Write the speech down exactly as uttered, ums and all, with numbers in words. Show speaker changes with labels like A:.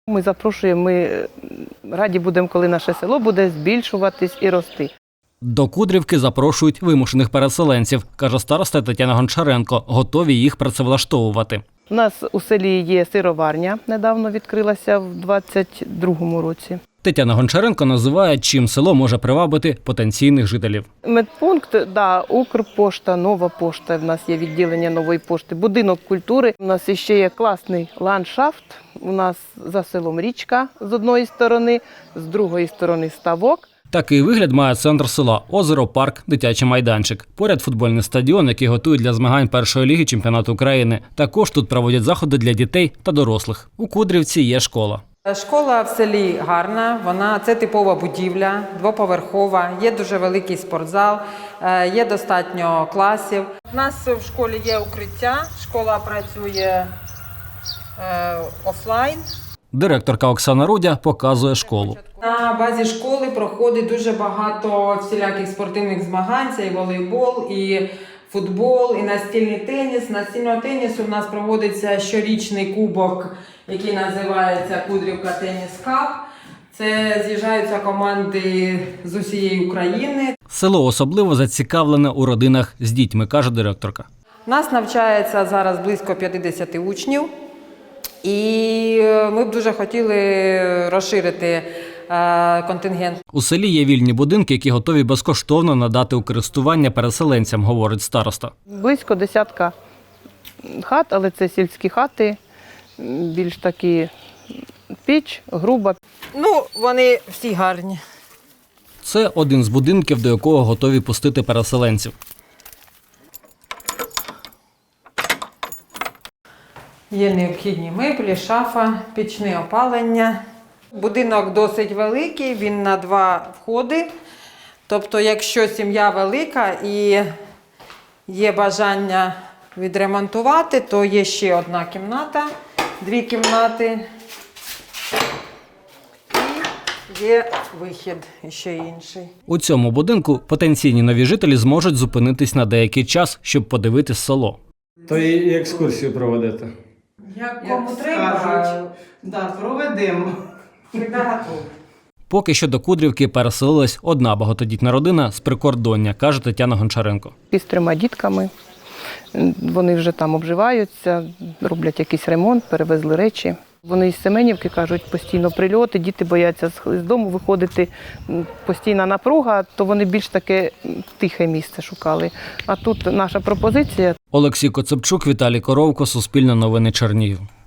A: Ми запрошуємо, ми раді будемо, коли наше село буде збільшуватись і рости.
B: До Кудрівки запрошують вимушених переселенців, каже староста Тетяна Гончаренко, готові їх працевлаштовувати.
A: У нас у селі є сироварня, недавно відкрилася в двадцять другому році.
B: Тетяна Гончаренко називає, чим село може привабити потенційних жителів.
A: Медпункт, да, Укрпошта, Нова пошта, в нас є відділення Нової пошти, будинок культури. У нас ще є класний ландшафт, у нас за селом річка з одної сторони, з другої сторони ставок.
B: Такий вигляд має центр села – озеро, парк, дитячий майданчик. Поряд футбольний стадіон, який готують для змагань першої ліги чемпіонату України. Також тут проводять заходи для дітей та дорослих. У Кудрівці є школа.
C: Школа в селі гарна, вона це типова будівля, двоповерхова, є дуже великий спортзал, є достатньо класів. У нас в школі є укриття, школа працює е, офлайн.
B: Директорка Оксана Рудя показує школу.
C: На базі школи проходить дуже багато всіляких спортивних змагань, це і волейбол, і футбол, і настільний теніс. Настільного тенісу в нас проводиться щорічний кубок, який називається Кудрівка Теніс Кап. Це з'їжджаються команди з усієї України.
B: Село особливо зацікавлене у родинах з дітьми, каже директорка.
C: У нас навчається зараз близько п'ятдесят учнів. І ми б дуже хотіли розширити контингент.
B: У селі є вільні будинки, які готові безкоштовно надати у користування переселенцям, говорить староста.
A: Близько десятка хат, але це сільські хати, більш такі піч, груба.
C: Ну, вони всі гарні.
B: Це один з будинків, до якого готові пустити переселенців.
C: Є необхідні меблі, шафа, пічне опалення. Будинок досить великий, він на два входи. Тобто, якщо сім'я велика і є бажання відремонтувати, то є ще одна кімната, дві кімнати і є вихід ще інший.
B: У цьому будинку потенційні нові жителі зможуть зупинитись на деякий час, щоб подивитись село.
D: То і екскурсію проводити.
C: Як
E: Як
C: кому треба,
E: скажуть, да, проведемо.
C: завжди готові.
B: Поки що до Кудрівки переселилась одна багатодітна родина з прикордоння, каже Тетяна Гончаренко.
A: І з трьома дітками. Вони вже там обживаються, роблять якийсь ремонт, перевезли речі. Вони із Семенівки, кажуть, постійно прильоти, діти бояться з дому виходити, постійна напруга, то вони більш таке тихе місце шукали. А тут наша пропозиція.
B: Олексій Коцепчук, Віталій Коровко, Суспільне новини Чернігів.